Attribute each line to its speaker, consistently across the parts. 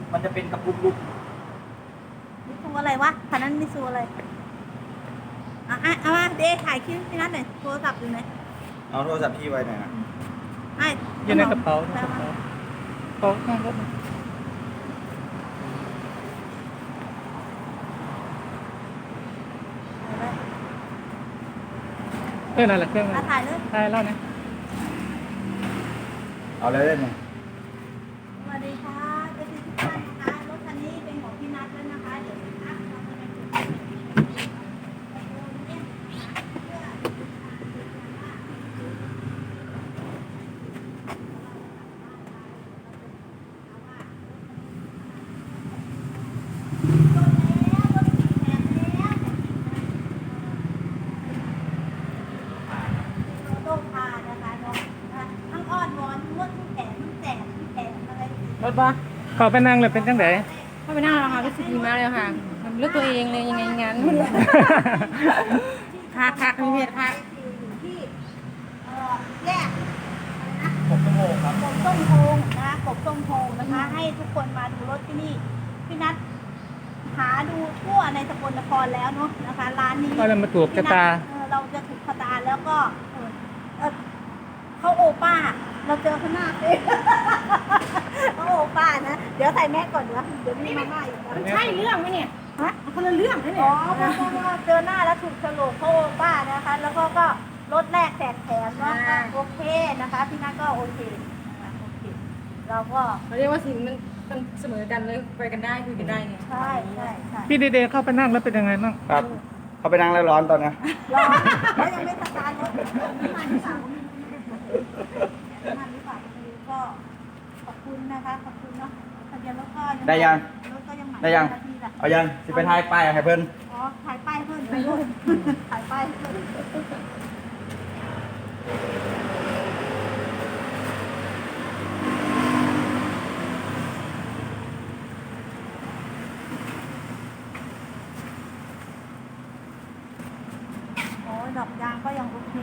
Speaker 1: มันจะเป็นกระปุกลูก
Speaker 2: มิซูอะไรวะคันนั้นมิซูอะไรเอามาเดถ่ายคลิปที่นั่นหน่อยโทรศัพท์อยู่ไหน
Speaker 1: เอาโทรศัพท์พี่ไว้หน่อยนะ
Speaker 2: ไอ้
Speaker 3: อยู่ในกระเป๋าโต๊ะข้างรถเครื่องอะไรเครื่องอะไร
Speaker 2: ถ่ายเลย
Speaker 3: ใช่แล้วนะ
Speaker 1: เอาเลยได้ไหม
Speaker 2: สวัสดีค่ะเจ้าที่ทุกท่านนะคะรถคันนี้เป็นของพี่นัทแล้วนะคะเดี๋ยวนะคะเราจะไปจุดโต้พานะคะเนาะทั้งอ้อนวอนทั้งนวดทั้งแขนทั้งแจกทั้งแขนอะไร
Speaker 4: รถปะ
Speaker 3: เขาไปนั่งเลยเป็นจังได
Speaker 4: ไม่ไปนั่งแล้วค่ะรู้สึกดีมากเลยค่ะมันเลือกตัวเองเลยยังไงงั้นคักมีเพจคัก
Speaker 2: อยู่ที่แยก
Speaker 1: 6 ชั่วโมงครับ
Speaker 2: กบส้มโพงนะคะกบส้มโพงนะคะ ให้ทุกคนมาดูรถที่นี่พี่นัทหาดูทั่วในสกลนครแล้วเนาะนะคะร้านนี้
Speaker 3: ก็เลยมาถูกชะตา
Speaker 2: เราจะถูกชะตาแล้วก็เขาโอป้า เราเจอข้างหน้าเลยเขาโอป้านะเดี๋ยวใส่แมสก่อนเดี๋ยวมีมาม่าอีกนะ
Speaker 4: ใช่เรื่องไหมเนี่ย
Speaker 2: ฮะ
Speaker 4: คนละเรื่องนะ
Speaker 2: อ๋
Speaker 4: เนี่
Speaker 2: อย เจอหน้าแล้วถูกฉลกเขาโอป้านะคะ แล้วก็รถแรกแจกแถมเนาะก็โอเคนะคะพี่นัทก็โอเคนะคะโอเคเราก็
Speaker 4: เขาเรียกว่าสิ่งมันเสมอกันเลยไปกันได้คุยกันได้ไง
Speaker 2: ใช่ใช่ใช่
Speaker 3: พี่เดย์เข้าไปนั่งแล้วเป็นยังไงบ้าง
Speaker 1: ครับ เขาไปนั่งแล้วร้อนตอนนี้
Speaker 2: รอแล้วยังไม่สตาร์ทรถน้ำมันหรือเปล่าน้ำมันหรือเปล่าไม่รู้ก็ขอบคุณนะคะขอบคุณเนาะทะเบียนรถก็ยัง
Speaker 1: ได้ยัง
Speaker 2: รถก็ยังใหม่
Speaker 1: ได้ยัง
Speaker 2: นาทีละ
Speaker 1: เอายังสิไปทายป้ายให้เพิ่น
Speaker 2: อ๋อถ่ายป้ายเพิ่มไปรุ่นถ่ายป้ายเพิ่มโอ้ยดอกยางก็ยังโอเค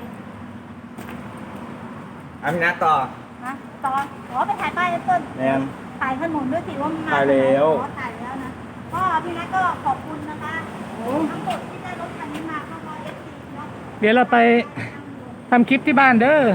Speaker 1: อาพี่นัทต่อ
Speaker 2: นะตอนอ๋อไปถ่ายป้ายเพิ่ม
Speaker 1: แนน
Speaker 2: ถ่ายถนนด้วยสิว่ามันมา
Speaker 1: ถ่ายแล้ว
Speaker 2: อ๋อถ่ายแล้วนะก็พี่นัทก็ขอบคุณนะคะทั้งหมดที่ได้รถคันนี้มาก็เพราะ FC เนาะ
Speaker 3: เดี๋ยวเราไปทำคลิปที่บ้านเด้อ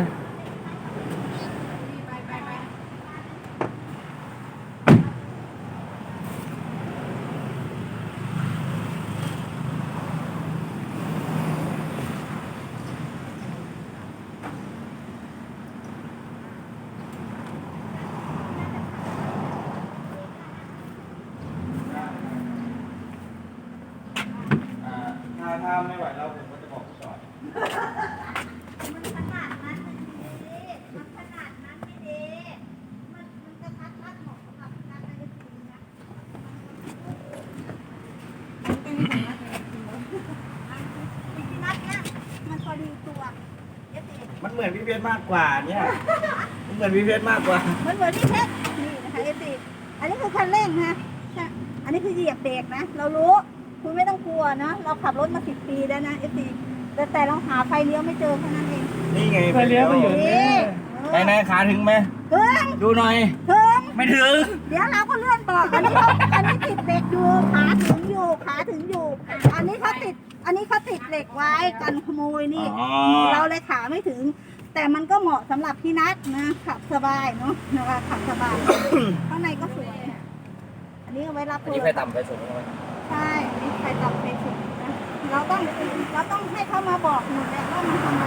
Speaker 1: ถ้าไม่ไหวแล้วผมก็จะบอกจอด
Speaker 2: มันขนาดนั้นไม่ดีมันขนาดนั้นไม่ดีมันจะทัดเหมาะสำหรับพี่นัทได้จริงนะพี่นัทเนี่ยมันพอดีตัว FC
Speaker 1: มันเหมือนพี่เพชรมากกว่าเนี่ยมันเหมือนพี่เพชรมากกว่า
Speaker 2: มันเหมือนที่เพชรนี่นะคะ FC อันนี้คือคันเร่งนะอันนี้คือเหยียบเบรกนะ เรารู้คุณไม่ต้องกลัวนะ เราขับรถมา10 ปีแล้วนะ FC แต่เราหาไฟเลี้ยวไม่เจอแค่นั้นเอง
Speaker 1: นี่ไง
Speaker 3: ไปเลี้ยวไปอยู่
Speaker 2: นี่
Speaker 1: ไหนขาถึงไหม
Speaker 2: ถึง
Speaker 1: ดูหน่อย
Speaker 2: ถึง
Speaker 1: ไม่ถึง
Speaker 2: เดี๋ยวเราก็เลื่อนบอกอันนี้ติดเหล็กอยู่ขาถึงอยู่ขาถึงอยู่ อันนี้เขาติดเหล็กไว้กันขโมยนี่
Speaker 1: อ๋อ
Speaker 2: เราเลยขาไม่ถึง แต่มันก็เหมาะสำหรับพี่นัทนะขับสบายเนาะนะคะขับสบาย ข้างในก็สวยอันนี้เอาไว้รับ
Speaker 1: อันนี้ไฟต่ำไฟสูงไหม
Speaker 2: ใช่อันนี้ใครต่ำใครสูงนะเราต้องให้เขามาบอกหมดเลยว่ามันทำ